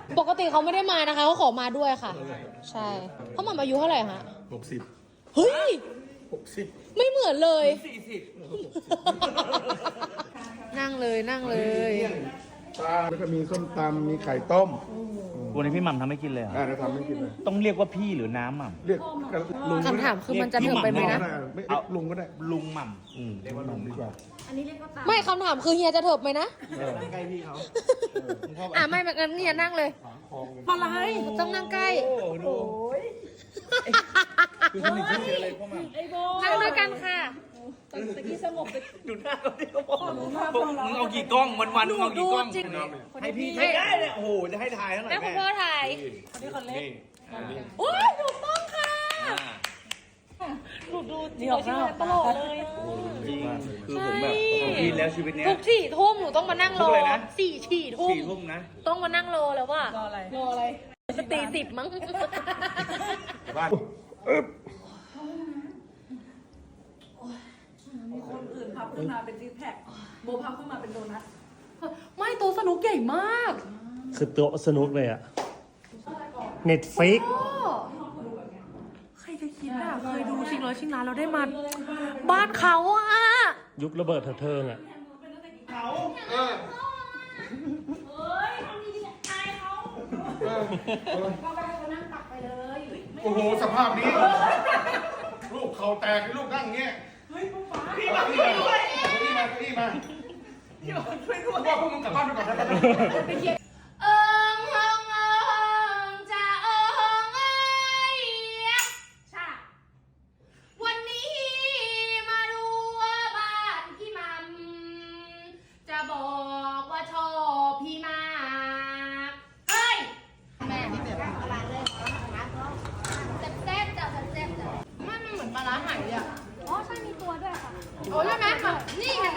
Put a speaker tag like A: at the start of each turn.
A: ปกติเขาไม่ได้มานะคะเขาขอมาด้วยค่ะ ใช่เขาหม่ำอายุเท่าไหร่ฮะ
B: 60
A: เฮ้ย
B: 60
A: ไม่เหมือนเลย
C: 40
A: นั่งเลยนั่งเลย
B: ปลาแล้วก็มีส้มตำมีไข่ต้ม
D: วันนี้พี่หม่ำทำให้กินเลยเหรอ
B: เราทำไม่กินเลย
D: ต้องเรียกว่าพี่หรือน้ำหม่
B: เรียกลุง
A: คำถามคือมันจะเถิบไปไหมนะ
B: ไม่ลุงก็ได้
D: ำลุงหม่
B: เรียกว่าลุงดีกว่า
A: ไม่คำถามคือเฮียจะเถิบไหมนะ
D: ำใกล้พี่เขา
A: ไม่งั้นเฮียนั่งเลยอะไรต้องนั่งใกล้
D: โอ้ดูคือสนิทที่เจอเลยพ่อหม่ำ
A: นั่งด้วยกันค่ะ
D: ดูหน้าเขาที่เขาบอกมึงเอากี่กล้องวันๆมึงเอากี่กล้อง
A: จริง
D: ให้พี่ไม่ได้เลยโอ้โหจะให้ถ่ายเท่าไหร่
A: แม่คุณ
D: แม่
A: พ่อถ่าย
D: นี่
A: โอ้ยถูกต้องค่ะจริงเหรอตลอดเลย
D: จริงคือผมแบบผมกินแล้วชีวิตเนี้ย
A: ทุก4 ทุ่มหนูต้องมานั่งร
D: ทุ
A: อก
D: อะไรนะ
A: 4 ทุ่ม
D: 4 ทุ่มนะ
A: ต้องมานั่งรอแล้วว่ะ
C: รออะไร
A: ตี 10มั้ง
D: บ้าน
C: มีคนอื่นพับขึ้นมาเป็นซิกแพคโบพับขึ้นมาเป็นโดนัท
A: ไม่โต๊ะสนุกใหญ่มาก
E: คือโต๊ะสนุกเลยอะเน็ตฟิก
A: ใครจะคิดอ่ะ เคยดูชิงร้อยชิงล้านเราได้มา บ้านเขาอ่ะ
E: ยุคระเบิดเถิงอะ
B: โอ้โหสภาพนี้ ลูกเข่าแตกลูกนั่งอย่างเงี้ยพี่มาพี่มาพี่มาพี่มาว่าพวกมึงกลับบ้านไปก่อนนะ
A: เอิงเอิงเอิงจะเอิงเอ้ยชาวันนี้มาดูบ้านพี่มัมจะบอกว่าชอบพี่มากเฮ้ยแม่พี่แบบปลาร้าเลยแซ่บๆจ้ะแซ่บๆจ้ะมันเหมือนปลาร้าไหายเลยอ่ะอ๋อใช่มีตัวด้วยค่ะโอ้ใช่ไหมค่ะนี่ไง